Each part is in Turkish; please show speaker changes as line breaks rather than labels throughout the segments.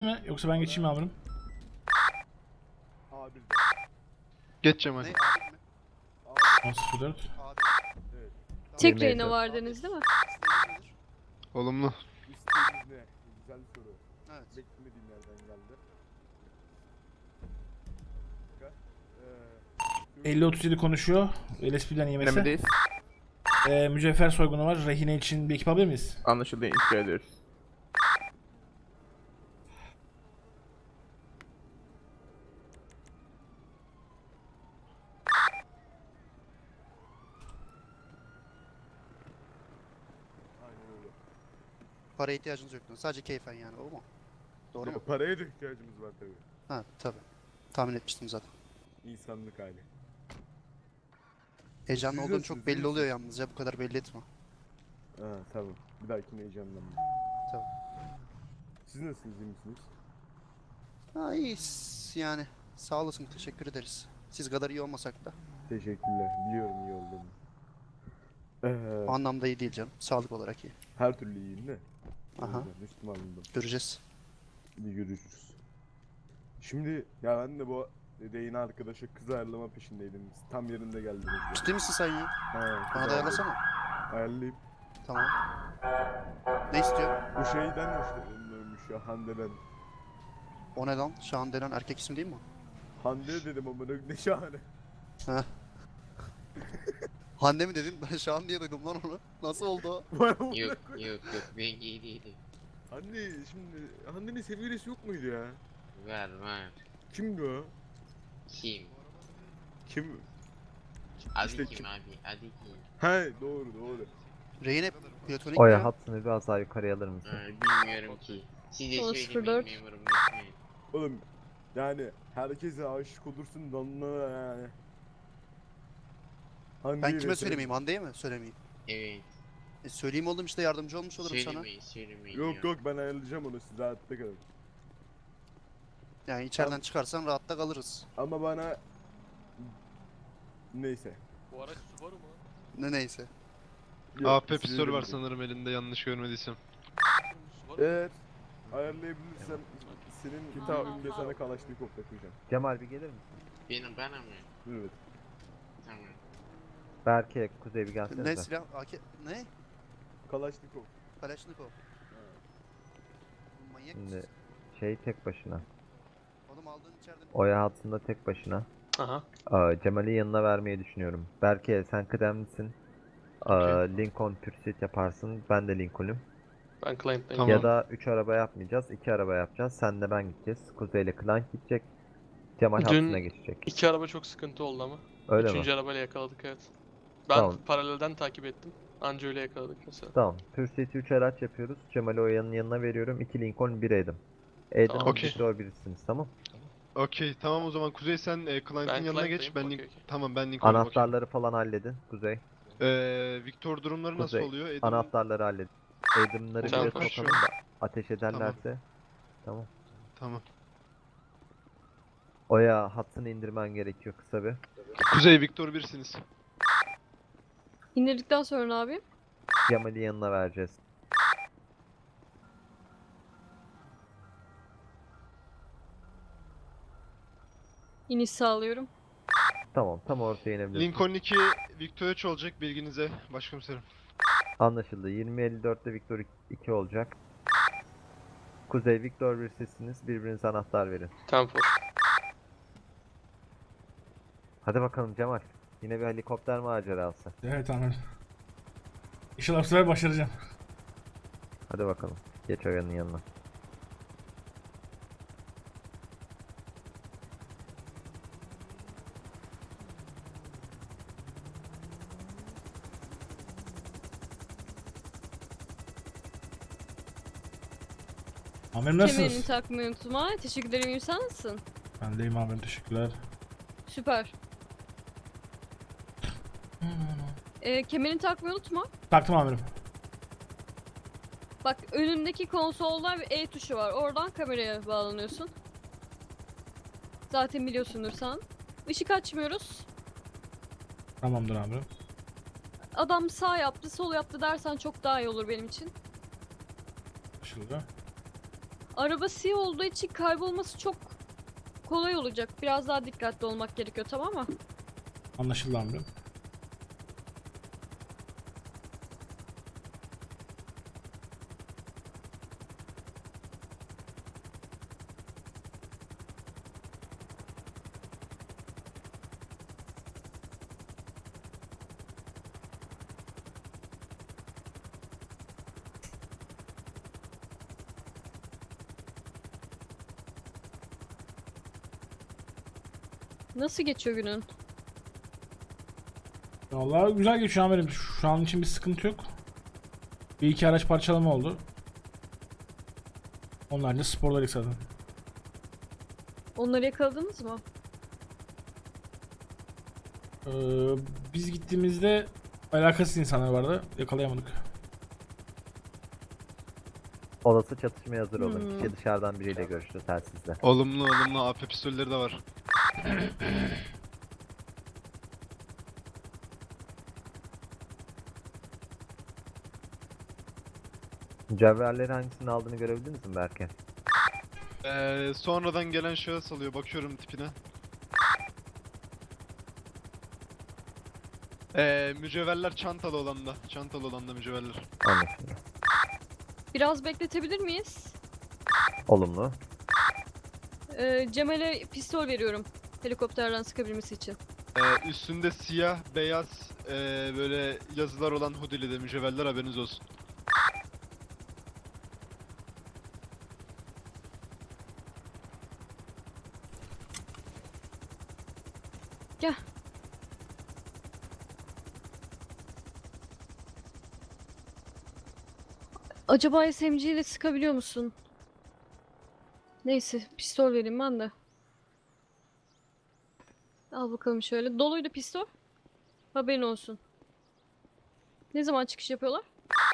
mi? Yoksa ben geçeyim mi amirim?
A1'de.
Geç Cemal.
Ne? Abi mi?
10.04.
Abi.
Evet.
Tek
20
reyna
Eylül.
var dediniz değil mi?
İsteğiniz nedir?
Olumlu.
İsteğiniz ne? Güzel soru.
Evet.
Beklemediğim yerden geldi.
50-37 konuşuyor. LSP'den yemesi.
Dinlemedeyiz.
Mücevher soygunu var. Rehine için bir ekip alabilir miyiz?
Anlaşıldı. İntikal ediyoruz.
Aynen öyle.
Paraya ihtiyacınız yok. Sadece keyfen yani, o mu? Doğru mu?
Paraya da ihtiyacımız var tabii.
Ha tabi. Tahmin etmiştim zaten.
İnsanlık hali.
Heyecanlı
Siz
olduğun
nasılsınız,
çok
iyi
belli oluyor yalnız ya, bu kadar belli etme.
Ha tamam. Bir dahakine heyecanlanma.
Tamam.
Siz nasılsınız, iyi misiniz?
Ha iyiyiz yani. Sağ olasın, teşekkür ederiz. Siz kadar iyi olmasak da.
Teşekkürler. Biliyorum iyi olduğumu.
O anlamda iyi değil canım. Sağlık olarak iyi.
Her türlü iyiyim de.
Aha.
O yüzden üstüme alındım.
Göreceğiz.
Bir görüşürüz. Şimdi ya ben de bu yayın arkadaşa kız ayarlama peşindeydim. Siz tam yerinde geldiniz ya.
Ciddi misin sen ya?
Ha, kız
Bana da ayarlasana.
ayarlayıp
Tamam. Ne istiyor?
bu şeyden hoşlanıyormuş ya, Hande'den.
O ne lan? Şahan denen erkek ismi değil mi?
Hande dedim ama ne şahane.
Heh. Hande mi dedin? Ben Şahan diye duydum lan onu. Nasıl oldu o?
Yok ben iyi değilim.
Hande şimdi Hande'nin sevgilisi yok muydu ya?
Var.
Kimdi o?
Kim?
Kim?
Adı
İşte
kim
kim?
abi? Adı kim?
He doğru.
Reyne platonik
Oya
ya.
hattını biraz daha yukarıya alır mısın?
Bilmiyorum ki. Siz de
10.04.
söylemeyin memurum lütfen.
Oğlum yani herkese aşık olursun da onlara yani. Hande'yi
Ben kime
mesela-
söylemeyeyim? Hande'ye mi söylemeyeyim?
Evet.
Söyleyeyim oğlum, işte yardımcı olmuş olurum sana.
Söylemeyin.
Yok ben ayarlayacağım onu, siz rahatta kalın.
Yani içeriden çıkarsan rahatta kalırız.
Ama bana... Neyse.
Bu araç Subaru mu?
Ne neyse.
Yok,
AP
siz
pistol var
öyle
sanırım elinde, yanlış görmediysem.
Subaru mu?
Eğer ayarlayabilirsem senin taahhütünde sana Kalaşnikov takacağım.
Cemal bir gelir misin?
Bana mı?
Evet.
Tamam.
Berke, Kuzey bir gelsene
Ne
de.
silah? AK... Ne?
Kalaşnikov.
Kalashnikov. Manyak mısın
Şimdi
sen?
şey tek başına.
Oğlum aldığın içeriden...
Oya hattında tek başına.
Aha.
Cemal'i yanına vermeyi düşünüyorum. Berke sen kıdemlisin. Lincoln Pursuit yaparsın. Ben de Lincoln'üm.
Ben Client'tayım.
Tamam.
Ya da 3 araba yapmayacağız. 2 araba yapacağız. Sen de ben gideceğiz. Kuzey ile Clank gidecek. Cemal
Dün-
hattına geçecek.
İki araba çok sıkıntı oldu ama.
Öyle mi?
Üçüncü arabayla yakaladık, evet. Ben
Tamam.
paralelden takip ettim. Anca öyle yakaladık mesela.
Tamam. Pursuit'i 3 araç yapıyoruz. Cemal'i Oya'nın yanına veriyorum. 2 Lincoln 1 Adam. Adam
Tamam.
ve
Okey.
Victor birisiniz, tamam.
Okey tamam, o zaman Kuzey sen Client'in
Ben
yanına geç.
Client'tayım,
Ben
okey, okey.
Tamam, ben Lincoln'a bakayım.
Anahtarları falan halledin. Kuzey.
Victor durumları nasıl
Kuzey.
oluyor? Adam...
Anahtarları halledin. Adam'ları
Tamam,
bile
tamam.
sokalım da ateş ederlerse. Tamam.
Tamam.
Oya hattını indirmen gerekiyor kısa bir.
Kuzey Victor birsiniz.
İndirdikten sonra ne yapayım?
Cemal'i yanına vereceğiz.
İniş sağlıyorum.
Tamam, tam ortaya inebilirsin.
Lincoln 2, Victor 3 olacak, bilginize başkomiserim.
Anlaşıldı. 20.54'te Victor 2 olacak. Kuzey Victor bir sizsiniz. Birbirinize anahtar verin.
Tempo.
Hadi bakalım Cemal. Yine bir helikopter macerası.
Evet amirim. İnşallah bu sefer başaracağım.
Hadi bakalım. Geç Oya'nın yanına.
Amirim
Kemerini
nasılsınız?
takmayı unutma. Teşekkür ederim. İyi, sen nasılsın?
Ben deyim amirim, teşekkürler.
Süper. Kemerini takmayı unutma.
Taktım amirim.
Bak önündeki konsolda bir E tuşu var. Oradan kameraya bağlanıyorsun. Zaten biliyorsundur sen. Işık açmıyoruz.
Tamamdır amirim.
Adam sağ yaptı, sol yaptı dersen çok daha iyi olur benim için.
Açıldı.
Araba siyah olduğu için kaybolması çok kolay olacak. Biraz daha dikkatli olmak gerekiyor, tamam mı?
Anlaşıldı amirim.
Nasıl geçiyor günün?
Vallahi güzel geçiyor amirim. Şu an için bir sıkıntı yok. Bir iki araç parçalama oldu. Onlar da sporlar zaten.
Onları yakaladınız mı?
Ee, Biz gittiğimizde alakasız insanlar vardı. Yakalayamadık.
Olası çatışmaya hazır olun.
Hmm.
Kişi dışarıdan biriyle görüştü telsizle.
Olumlu olumlu AP pistolleri de var.
Mücevherleri hangisini aldığını görebildiniz mi Berke?
Sonradan gelen şahıs alıyor. Bakıyorum tipine. Mücevherler çantalı olanda. Çantalı olanda mücevherler.
Anlaşıldı.
Biraz bekletebilir miyiz?
Olumlu.
Cemal'e pistol veriyorum. Helikopterden sıkabilmesi için.
Üstünde siyah, beyaz böyle yazılar olan hoodie'li de mücevherler, haberiniz olsun.
Gel. Acaba SMG ile sıkabiliyor musun? Neyse, pistol vereyim ben de. Al bakalım şöyle. Doluydu pistol. Haberin olsun. Ne zaman çıkış yapıyorlar?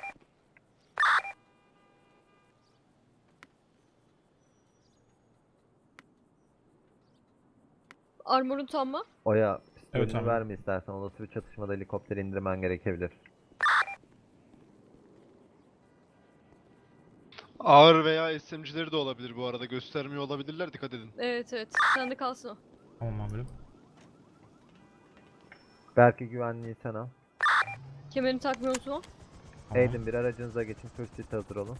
Armor'un tam mı?
Oya pistolünü
Evet, tamam.
verme istersen. Olası bir çatışmada helikopteri indirmen gerekebilir.
Ağır veya SMG'leri de olabilir bu arada. Göstermiyor olabilirler, dikkat edin.
Evet evet. Sende kalsın o.
Tamam amirim.
Berke güvenliği sen al.
Kemerini takmayı unutma.
Tamam.
Aydın bir aracınıza geçin. Pursuit hazır olun.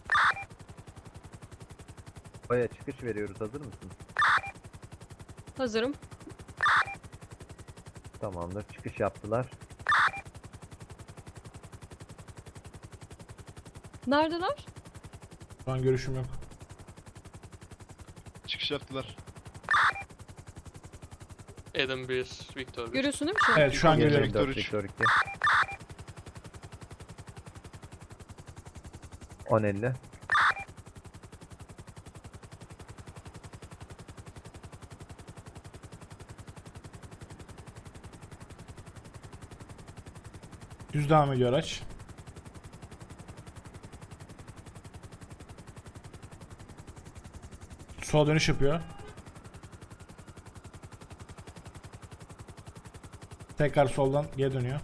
Oya çıkış veriyoruz. Hazır mısın?
Hazırım.
Tamamdır. Çıkış yaptılar.
Neredeler?
Şu an görüşüm yok.
Çıkış yaptılar.
Adam 1, Victor 1.
Görüyorsun değil mi şu an?
Evet şu an görüyorum.
Victor
24,
üç.
Victor 2. 10.50.
Düz devam ediyor araç. Sola dönüş yapıyor. Tekrar soldan geri dönüyor.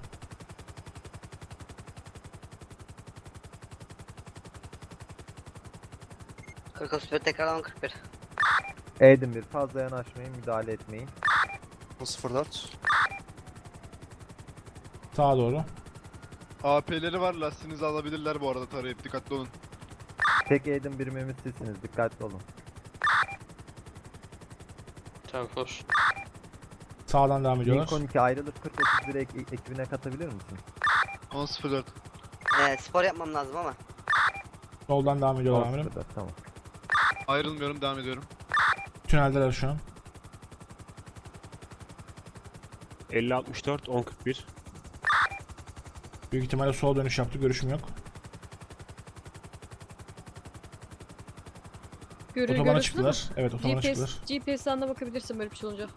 Tekrardan 41.
Aydın bir fazla yanaşmayın. Müdahale etmeyin.
04.
Sağa doğru.
AP'leri var, lastiğinizi alabilirler bu arada, tarayıp dikkatli olun.
Tek Aydın birimimiz sizsiniz. Dikkatli olun.
10-4.
Sağdan devam ediyorlar.
Lincoln 2 ayrılıp 40-31 ekibine katabilir misin?
10.04.
Spor yapmam lazım ama.
Soldan devam ediyorlar amirim.
10-04, tamam.
Ayrılmıyorum, devam ediyorum.
Tüneldeler şu an.
50-64, 10-41.
Büyük ihtimalle sola dönüş yaptı. Görüşüm yok. Otobana
Görüyorsun değil mi?
çıktılar. Evet otobana çıktılar.
GPS'ten de bakabilirsin böyle bir şey olunca.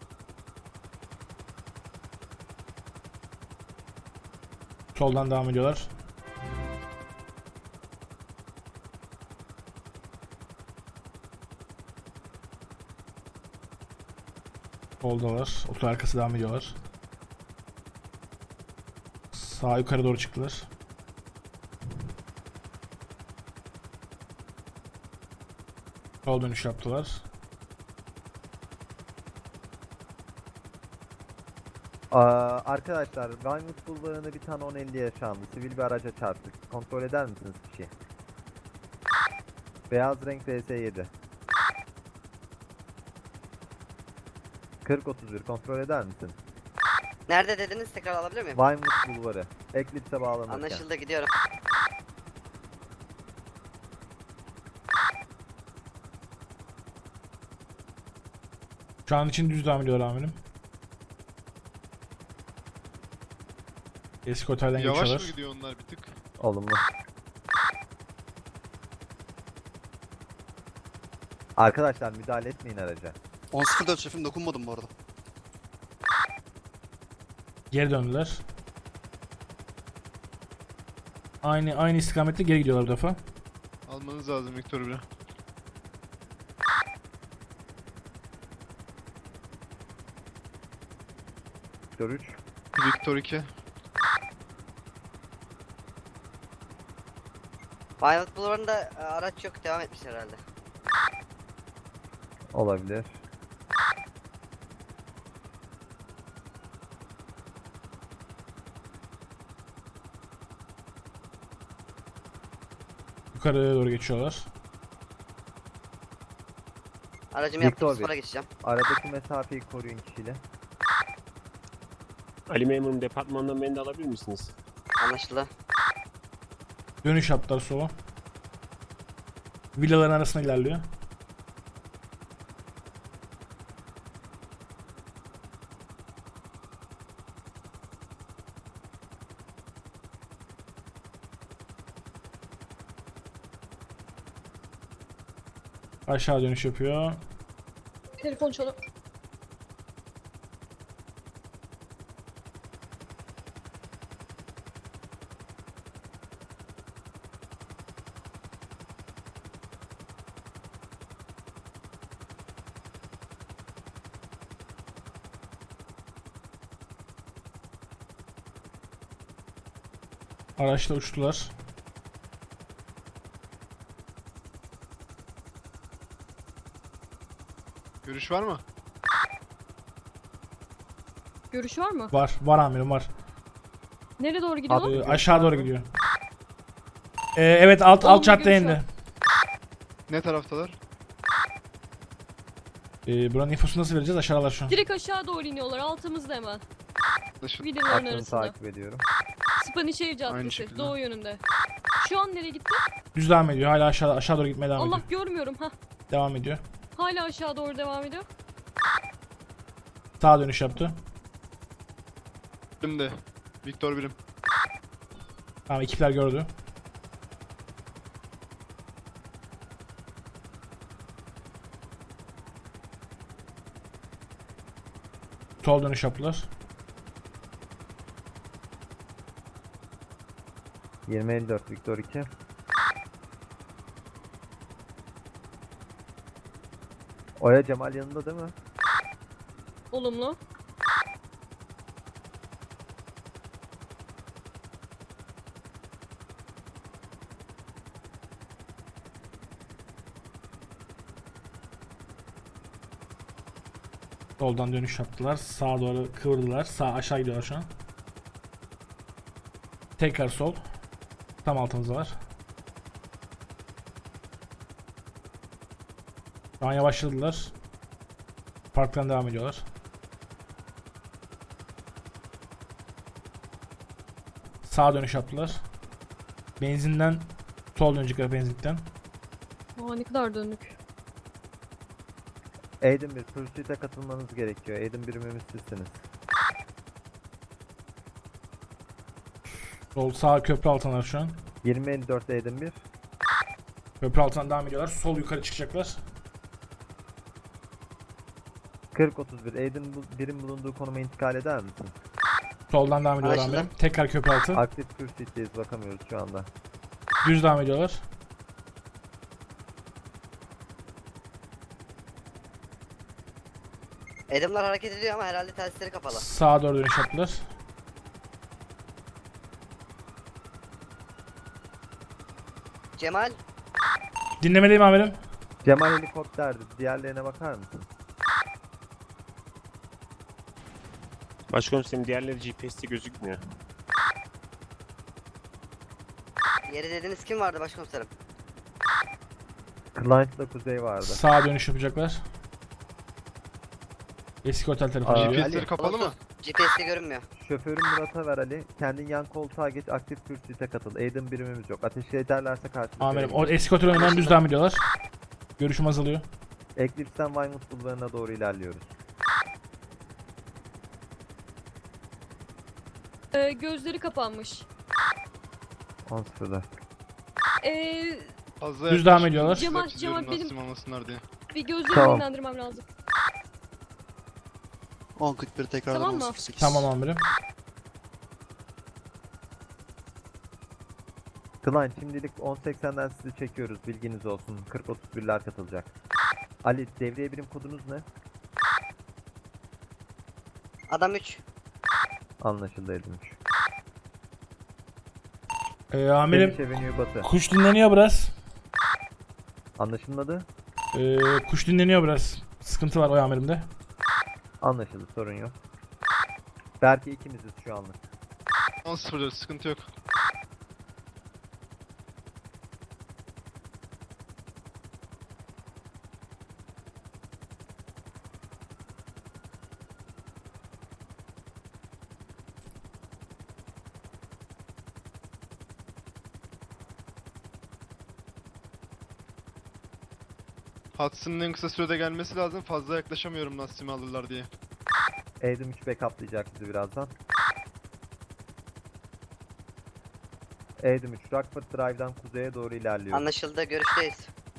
Soldan devam ediyorlar. Soldalar. Oto arkası devam ediyorlar. Sağ yukarı doğru çıktılar. Sol dönüş yaptılar.
Arkadaşlar, Vinewood Bulvarı'nda bir tane 1050 yaşandı. Sivil bir araca çarptık. Kontrol eder misiniz kişiyi? Beyaz renk VS7. 40-31 kontrol eder misin?
Nerede dediniz? Tekrar alabilir miyim?
Vinewood Bulvarı. Eclipse'e bağlanırken.
Anlaşıldı, gidiyorum.
Şu an için düz devam ediyor amirim. Eski otelden
Yavaş mı
geçiyorlar.
gidiyor onlar bir tık?
Olumlu. Arkadaşlar müdahale etmeyin araca.
10.04 şefim, dokunmadım bu arada.
Geri döndüler. Aynı istikamette geri gidiyorlar bu defa.
Almanız lazım Victor 1'i.
Victor 3.
Victor 2.
Violet Bulvarı'nda araç yok, devam etmiş herhalde.
Olabilir.
Yukarıya doğru geçiyorlar.
Aracımı yaptım,
Victor
spora
Bey.
geçeceğim.
Aradaki mesafeyi koruyun kişiyle.
Ali memurum, departmandan beni de alabilir misiniz?
Anlaşıldı.
Dönüş yaptılar sola. Villaların arasına ilerliyor. Aşağı dönüş yapıyor.
Telefon çalıyor.
Araçla uçtular.
Görüş var mı?
Görüş var mı?
Var amirim var.
Nereye doğru gidiyor?
Aşağı doğru gidiyor. Evet alt
Olumlu
caddeye
görüş var.
indi.
Ne taraftalar?
Buranın infosunu nasıl vereceğiz? Aşağıdalar şu an.
Direkt aşağı doğru iniyorlar. Altımızda hemen.
Anlaşıldı.
Villaların
Aklını
arasında.
takip ediyorum.
Spanişehir
Aynı
Caddesi.
şekilde.
Doğu yönünde. Şu an nereye gitti?
Düz devam ediyor. Hala aşağı doğru gitmeye devam
Allah
ediyor.
görmüyorum. Ha.
Devam ediyor.
Hala aşağı doğru devam ediyor.
Sağa dönüş yaptı.
Şimdi. Victor 1'im.
Tamam ekipler gördü. Sol dönüş yaptılar.
2054 Victor 2. Oya Cemal yanında değil mi?
Olumlu.
Soldan dönüş yaptılar. Sağa doğru kıvırdılar. Sağ aşağı gidiyorlar şu an. Tekrar sol. Tam altımızdalar. Şu an yavaşladılar. Parktan devam ediyorlar. Sağa dönüş yaptılar. Benzinden sol dönecekler benzinlikten.
Aa ne kadar döndük.
Aiden 1 Pursuit'e katılmanız gerekiyor. Aiden birimimiz sizsiniz.
Sol sağ köprü altındalar şu an.
2054 Aiden 1.
Köprü altından devam ediyorlar. Sol yukarı çıkacaklar.
40-31 Aiden birim bulunduğu konuma intikal eder misin?
Soldan devam ediyorlar
Anlaşıldı.
amirim. Tekrar köprü altı.
Aktif Pursuit'teyiz, bakamıyoruz şu anda.
Düz devam ediyorlar.
Adamlar hareket ediyor ama herhalde telsizleri kapalı.
Sağa doğru dönüş yaptılar.
Cemal,
Dinlemedeyim amirim.
Cemal helikopterdi. Diğerlerine bakar mısın?
Başkomiserim diğerleri GPS'te gözükmüyor.
Yeri dediniz kim vardı başkomiserim?
Client'la Kuzey vardı.
Sağa dönüş yapacaklar. Eski otel tarafına
Aa,
gidiyor.
GPS'leri kapalı mı?
GPS'te görünmüyor.
Şoförün Murat'a ver Ali. Kendin yan koltuğa geç, aktif pursuit'e katıl. Aiden birimimiz yok. Ateş ederlerse karşılık
Amirim o
verelim.
eski otel önünden düz devam ediyorlar. Görüşüm azalıyor.
Eclipse'den Vinewood bulvarına doğru ilerliyoruz.
Gözleri kapanmış.
10.04.
Fazla
Düz devam
yaklaşmayın,
ediyorlar.
size
Cemal,
çiziyorum
Cemal, benim-
nasıl almasınlar diye.
Bir gözlerimi
Tamam.
dinlendirmem lazım.
10.41 tekrardan
Tamam mı?
10.08.
Tamam amirim.
Client şimdilik 10.80'den sizi çekiyoruz. Bilginiz olsun. 40-31'ler katılacak. Ali devriye birim kodunuz ne?
Adam 3.
Anlaşıldı edilmiş.
Amirim
Finish Avenue Batı.
kuş dinleniyor biraz.
Anlaşılmadı.
Kuş dinleniyor biraz. Sıkıntı var o amirimde.
Anlaşıldı, sorun yok. Belki ikimiziz şu anlık.
10-0 sıkıntı yok. Hudson'ın en kısa sürede gelmesi lazım. Fazla yaklaşamıyorum Nassim'i alırlar diye.
Aiden 3 backuplayacak bizi birazdan. Aiden 3 Rockford Drive'dan kuzeye doğru ilerliyor.
Anlaşıldı, görüşteyiz.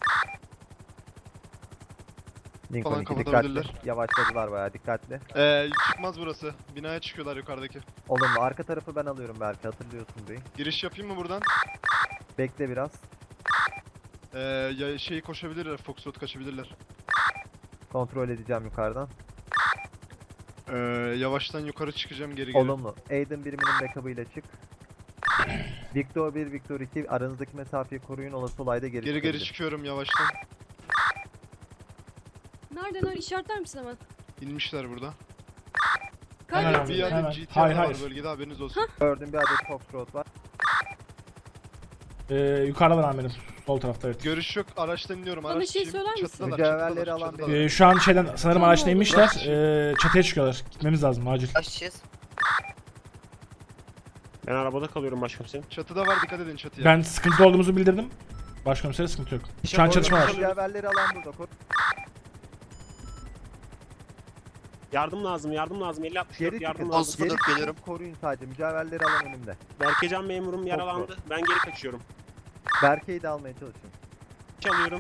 Lincoln
Falan
2
kapatabilirler.
dikkatli. Yavaşladılar bayağı dikkatli.
Çıkmaz burası. Binaya çıkıyorlar yukarıdaki.
Olumlu. Arka tarafı ben alıyorum belki, hatırlıyorsun burayı.
Giriş yapayım mı buradan?
Bekle biraz.
Ya şeyi koşabilirler, Foxtrot kaçabilirler.
Kontrol edeceğim yukarıdan.
Yavaştan yukarı çıkacağım geri geri.
Olumlu. Aiden biriminin backup'ıyla çık. Victor 1, Victor 2 aranızdaki mesafeyi koruyun, olası olayda geri
Geri
çıkabilir.
çıkıyorum yavaştan.
Nereden işaretler misin hemen?
İnmişler burada.
Hemen
Kaybettim
abi,
Bir
ben.
hemen.
adet GTR
Hayır,
var
hayır.
bölgede, haberiniz olsun.
Gördüm, bir adet Foxtrot var.
Yukarıdalar amirim. Sol tarafta evet.
Görüş yok, araçtan iniyorum.
Bana
Araç
şey
kim?
söyler misin?
Çatıdalar,
Mücevherleri
çatıdalar,
alan
çatıdalar.
benim.
Şu an şeyden sanırım
Tamam,
araçla
oldu.
inmişler. Çatıya çıkıyorlar. Gitmemiz lazım acil.
Kaç kişiyiz?
Ben arabada kalıyorum başkomiserim.
Çatıda var, dikkat edin çatıya.
Ben sıkıntı olduğumuzu bildirdim. Başkomisere sıkıntı yok. Şu an çatışma var.
Mücevherleri alan burada.
Yardım lazım, yardım lazım. 50-64
Geri
yardım
çıkın.
lazım.
Sıfır dört geliyorum.
Koruyun sadece. Mücevherleri alan önümde.
Berkecan memurum yaralandı. Ben geri kaçıyorum.
Berke'yi de almaya çalışın.
Çalıyorum.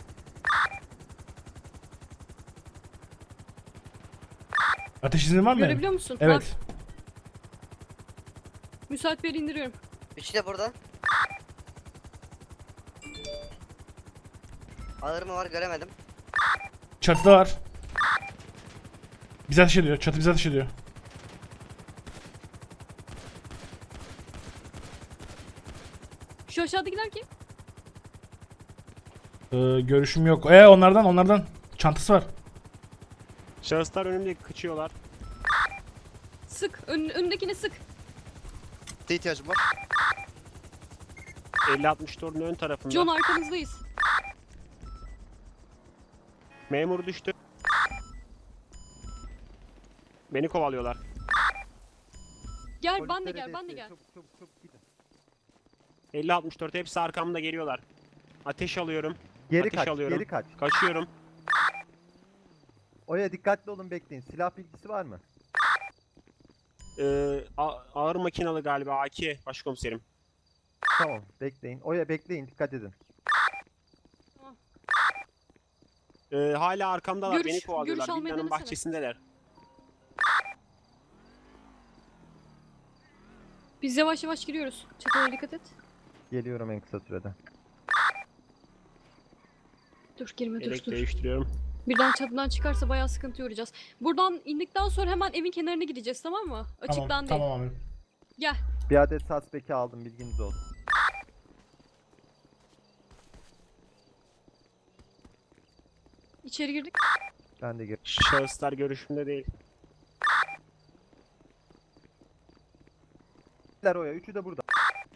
Ateş izni var mı? benim?
Görebiliyor musun? Var.
Evet.
Müsait bir yere indiriyorum.
3 de burada. Ağır mı var göremedim.
Çatıda var. Bize ateş ediyor. Çatı bize ateş ediyor.
Şu aşağıdakiler kim?
Görüşüm yok. Onlardan. Çantası var.
Şahıslar önümde kaçıyorlar.
Sık. Önündekini sık.
Ne ihtiyacım var?
50-64'ün ön tarafında.
John arkanızdayız.
Memur düştü. Beni kovalıyorlar.
Gel ben de gel ben de gel.
Çabuk çabuk çabuk gidin.
50-64 hepsi arkamda geliyorlar. Ateş alıyorum.
Geri
Ateş
kaç,
alıyorum.
geri kaç.
Kaçıyorum.
Oya dikkatli olun, bekleyin. Silah bilgisi var mı?
Ağır makinalı galiba AK başkomiserim.
Tamam, bekleyin. Oya bekleyin, dikkat edin.
Hala arkamdalar,
Görüş-
beni kovalıyorlar.
görüş almayı
Villanın
denesene.
bahçesindeler.
Biz yavaş yavaş giriyoruz. Çatılara dikkat et.
Geliyorum en kısa sürede.
Dur girme dur
Elek
dur.
değiştiriyorum.
Birden çatıdan çıkarsa bayağı sıkıntı uğrayacağız. Buradan indikten sonra hemen evin kenarına gideceğiz tamam mı? Açıktan
Tamam,
değil.
tamam amirim.
Gel.
Bir adet suspect'i aldım, bilginiz olsun.
İçeri girdik.
Ben de
Şahıslar görüşümde değil.
Oya, üçü de burada.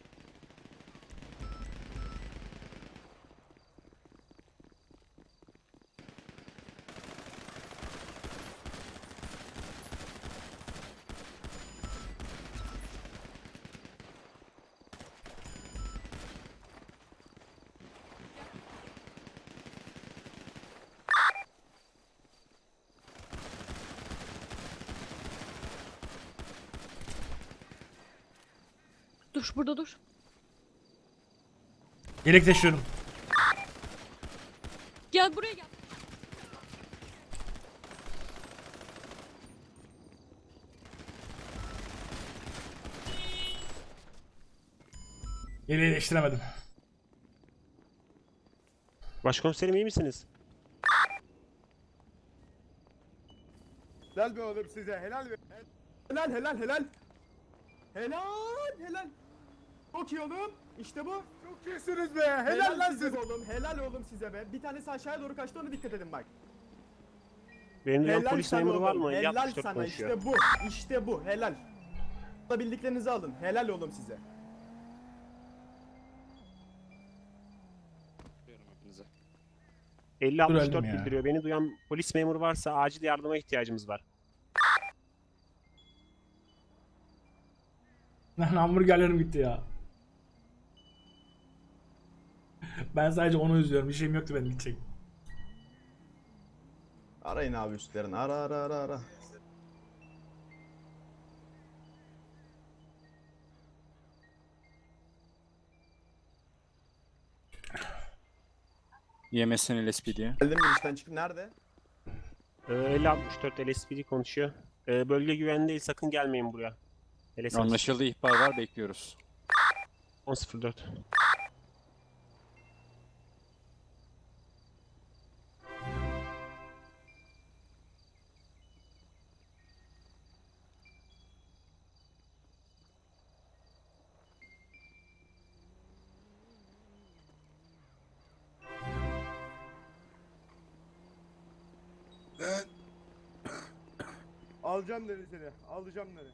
Dur burada dur.
Yelek taşıyorum.
Gel buraya gel.
Yeleği değiştiremedim.
Başkomiserim iyi misiniz?
Helal be oğlum size, helal be.
Helal helal helal. Helal helal. Çok iyi oğlum. İşte bu.
Çok iyisiniz be, helal lan
size
siz.
oğlum. Helal oğlum size be. Bir tanesi aşağıya doğru kaçtı, ona dikkat edin bak.
Benim duyan
Helal
polis
sana
memuru var
oğlum.
mı?
Helal
54
sana,
konuşuyor.
işte bu. İşte bu. Helal. Bildiklerinizi alın. Helal oğlum size.
50-64
öldüm ya.
bildiriyor. Beni duyan polis memuru varsa acil yardıma ihtiyacımız var.
Lan hamburgerlerim gitti ya. Ben sadece onu üzüyorum. Bir şeyim yoktu benim gidecek.
Arayın abi üstlerini. Ara.
YMS'nin LSPD'ye.
Geldim mi işten çıkıp nerede?
50-64 LSPD konuşuyor. Bölge güvenli değil, sakın gelmeyin buraya. LSPD.
Anlaşıldı, ihbar var, bekliyoruz.
10.04.
Alacağım dedi seni, alacağım dedi.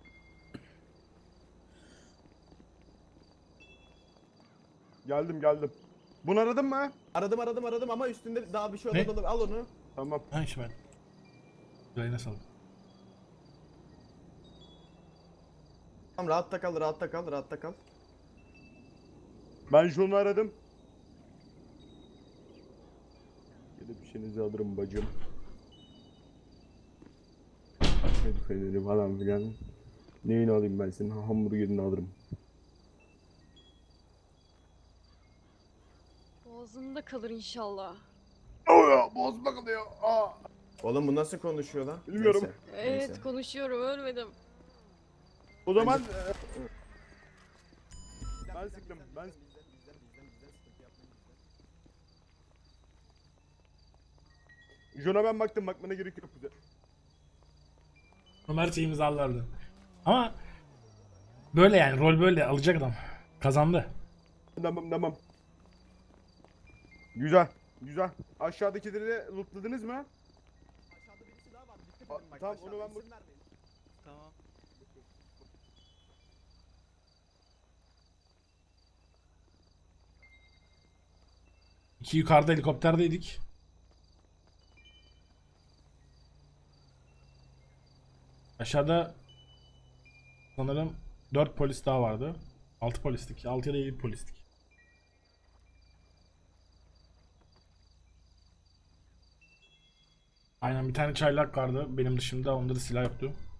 Geldim. Bunu aradın mı?
Aradım ama üstünde daha bir şey
Ne?
olmadı. Al onu.
Tamam.
Ha işte ben. Yayına saldım.
Tamam, rahatta kal.
Ben şunu aradım. Gelip işinizi alırım bacım. Açmadı feneri falan filan. Neyini alayım ben senin? Hamburgerini alırım.
Boğazında kalır inşallah.
Bozma kalıyor. Aa.
Oğlum bu nasıl konuşuyor lan?
Bilmiyorum.
Neyse.
Evet konuşuyorum ölmedim.
O zaman ben sıktım. Jona ben baktım, bakmana gerek yok bize.
Ömer şeyi imzalardı. Ama böyle yani rol böyle alacak adam. Kazandı.
Tamam. Güzel. Aşağıdakileri de lootladınız mı?
Aşağıda birisi daha var. Dikkat edin bak.
Tamam,
aşağıda
onu ben
isim vermeyin.
Tamam.
İki yukarıda helikopterdeydik. Aşağıda sanırım 4 polis daha vardı. 6 polistik. 6 ya da 7 polistik. Aynen bir tane çaylak vardı benim dışımda. Onda da silah yoktu.